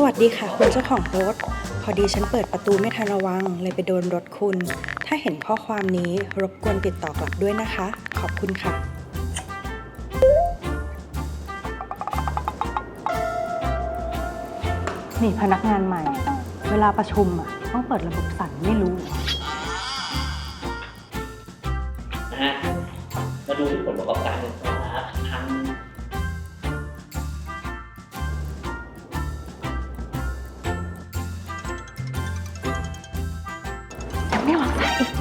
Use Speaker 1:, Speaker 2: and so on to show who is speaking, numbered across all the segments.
Speaker 1: วัสดีค่ะคุณเจ้าของรถพอดีฉันเปิดประตูไม่ทันระวังเลยไปโดนรถคุณถ้าเห็นข้อความนี้รบกวนติดต่อกลับด้วยนะคะขอบคุณค่ะนี่พนักงานใหม่เวลาประชุมต้องเปิดระบบสั่นไม่รู้
Speaker 2: นะฮะมาดูที่ผลประกอบการกันครับทั้ง
Speaker 1: ไม่วางสายอีก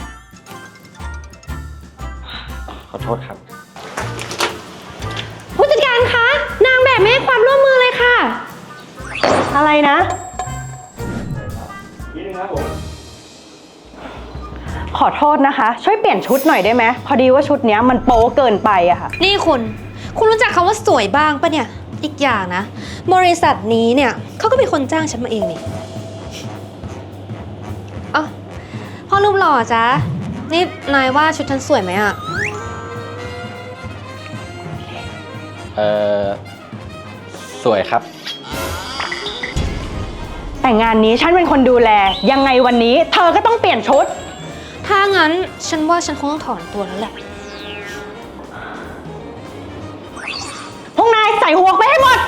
Speaker 3: ขอโทษครับ
Speaker 4: ผู้จัดการคะนางแบบไม่ให้ความร่วมมือเลยค่ะ
Speaker 1: อะไรนะขอโทษนะคะช่วยเปลี่ยนชุดหน่อยได้ไหมพอดีว่าชุดนี้มันโป๊เกินไปอะค่ะ
Speaker 4: นี่คุณรู้จักคำว่าสวยบ้างปะเนี่ยอีกอย่างนะบริษัทนี้เนี่ยเขาก็เป็นคนจ้างฉันมาเองนี่อ๋อพ่อรูปหล่อจ๊ะนี่นายว่าชุดฉันสวยไหมอะ
Speaker 3: สวยครับ
Speaker 1: แต่งานนี้ฉันเป็นคนดูแลยังไงวันนี้เธอก็ต้องเปลี่ยนชุด
Speaker 4: ถ้างั้นฉันว่าฉันคงต้องถอนตัวแล้วแหละ
Speaker 1: พวกนายใส่หัวไปให้หมด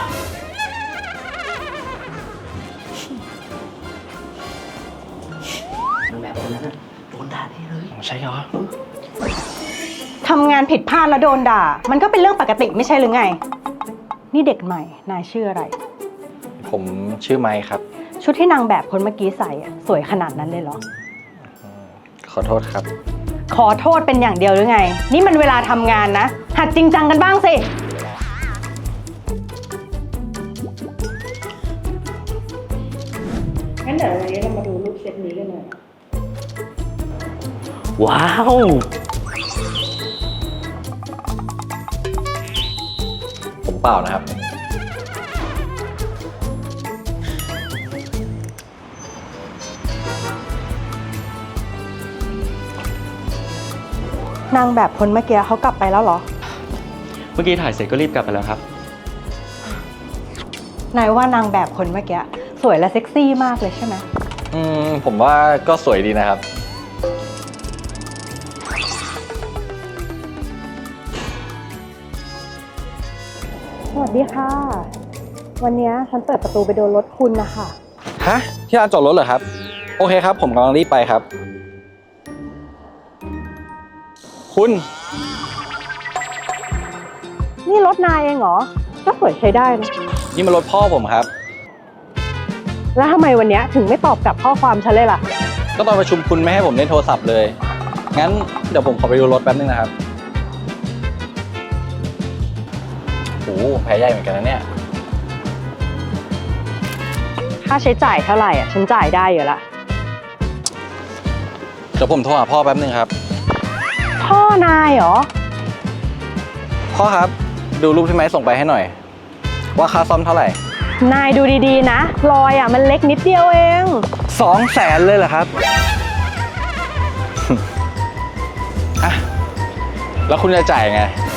Speaker 2: แบบคนนั้นโดนด่าได้เลย
Speaker 3: ใช่เหรอ
Speaker 1: ทำงานผิดพลาดแล้วโดนด่ามันก็เป็นเรื่องปกติไม่ใช่หรือไงนี่เด็กใหม่นายชื่ออะไร
Speaker 3: ผมชื่อไมค์ครับ
Speaker 1: ชุดที่นางแบบคนเมื่อกี้ใส่สวยขนาดนั้นเลยเหรอ
Speaker 3: ขอโทษครับ
Speaker 1: ขอโทษเป็นอย่างเดียวหรือไงนี่มันเวลาทำงานนะหัดจริงจังกันบ้างสิงั้นเดี๋ยววันนี้เรามาดูรูปเซตนี้กันหน่อย
Speaker 2: ว้าว
Speaker 3: ผมเปล่านะครับ
Speaker 1: นางแบบคนเมื่อกี้เขากลับไปแล้วเหรอ
Speaker 5: เมื่อกี้ถ่ายเสร็จก็รีบกลับไปแล้วครับ
Speaker 1: นายว่านางแบบคนเมื่อกี้สวยและเซ็กซี่มากเลยใช่ไหม
Speaker 3: ผมว่าก็สวยดีนะครับ
Speaker 1: สวัสดีค่ะวันนี้ฉันเปิดประตูไปโดนรถคุณนะคะ
Speaker 3: ฮะที่ลานจอดรถเหรอครับโอเคครับผมกำลังรีบไปครับคุณ
Speaker 1: นี่รถนายเองเหรอก็สวยใช้ได้นะ
Speaker 3: นี่มันรถพ่อผมครับ
Speaker 1: แล้วทำไมวันนี้ถึงไม่ตอบกลับข้อความฉันเลยล่ะ
Speaker 3: ก็ตอนประชุมคุณไม่ให้ผมเล่นโทรศัพท์เลยงั้นเดี๋ยวผมขอไปดูรถแป๊บนึงนะครับโอ้แพ้ใหญ่เหมือนกันนะเนี่ย
Speaker 1: ค่าใช้จ่ายเท่าไหร่ฉันจ่ายได้อยู่ละ
Speaker 3: เดี๋ยวผมโทรหาพ่อแป๊บนึงครับ
Speaker 1: พ่อนายเหรอ
Speaker 3: พ่อครับดูรูปที่ไม้ส่งไปให้หน่อยว่าค่าซ่อมเท่าไหร่
Speaker 1: นายดูดีๆนะรอยมันเล็กนิดเดียวเอง
Speaker 3: 200,000เลยเหรอครับ อ่ะแล้วคุณจะจ่ายไง